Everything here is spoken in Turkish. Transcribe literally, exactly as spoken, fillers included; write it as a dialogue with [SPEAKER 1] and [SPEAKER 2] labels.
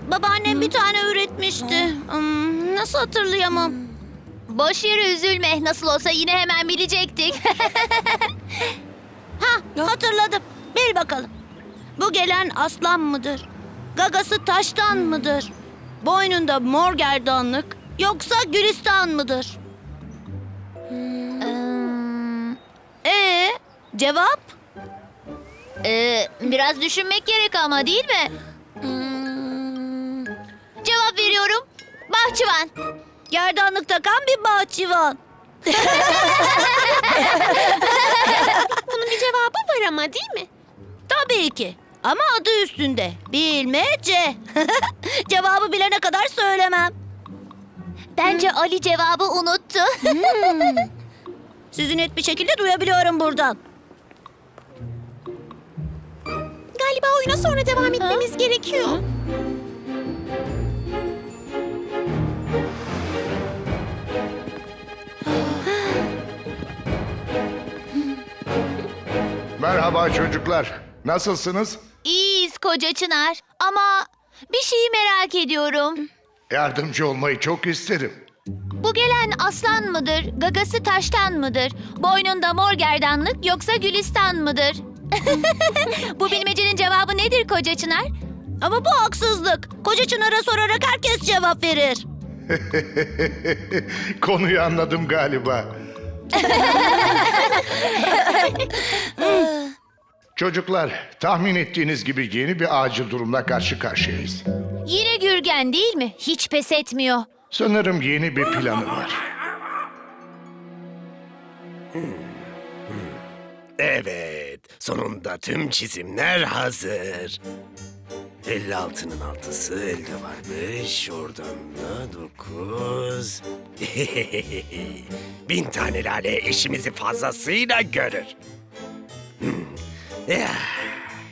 [SPEAKER 1] Babaannem bir tane üretmişti. Hmm, nasıl hatırlayamam?
[SPEAKER 2] Boş yere üzülme. Nasıl olsa yine hemen bilecektik.
[SPEAKER 1] Ha, hatırladım. Bil bakalım. Bu gelen aslan mıdır? Gagası taştan mıdır? Boynunda mor gerdanlık yoksa gülistan mıdır?
[SPEAKER 2] Hmm,
[SPEAKER 1] Ee, cevap?
[SPEAKER 2] ee, biraz düşünmek gerek ama değil mi?
[SPEAKER 1] Hmm,
[SPEAKER 2] Cevap veriyorum. Bahçıvan.
[SPEAKER 1] gerdanlık takan bir bahçıvan.
[SPEAKER 3] Bunun bir cevabı var ama değil mi?
[SPEAKER 1] Tabii ki. Ama adı üstünde. Bilmece. Cevabı bilene kadar söylemem.
[SPEAKER 2] Bence Ali cevabı unuttu.
[SPEAKER 1] Sizi net bir şekilde duyabiliyorum buradan.
[SPEAKER 3] Galiba oyuna sonra devam etmemiz gerekiyor.
[SPEAKER 4] Merhaba çocuklar. Nasılsınız?
[SPEAKER 2] İyiyiz koca Çınar. Ama bir şeyi merak ediyorum.
[SPEAKER 4] Yardımcı olmayı çok isterim.
[SPEAKER 2] Bu gelen aslan mıdır? Gagası taştan mıdır? Boynunda mor gerdanlık yoksa gülistan mıdır? Bu bilmecenin cevabı nedir koca Çınar?
[SPEAKER 1] Ama bu haksızlık. Koca Çınar'a sorarak herkes cevap verir.
[SPEAKER 4] Konuyu anladım galiba. Çocuklar, tahmin ettiğiniz gibi yeni bir acil durumla karşı karşıyayız.
[SPEAKER 2] Yine Gürgen değil mi? Hiç pes etmiyor.
[SPEAKER 4] Sanırım yeni bir planı var.
[SPEAKER 5] Evet, sonunda tüm çizimler hazır. elli altının altısı elde varmış, oradan da dokuz. Bin tane lale eşimizi fazlasıyla görür. Hmm. Ya,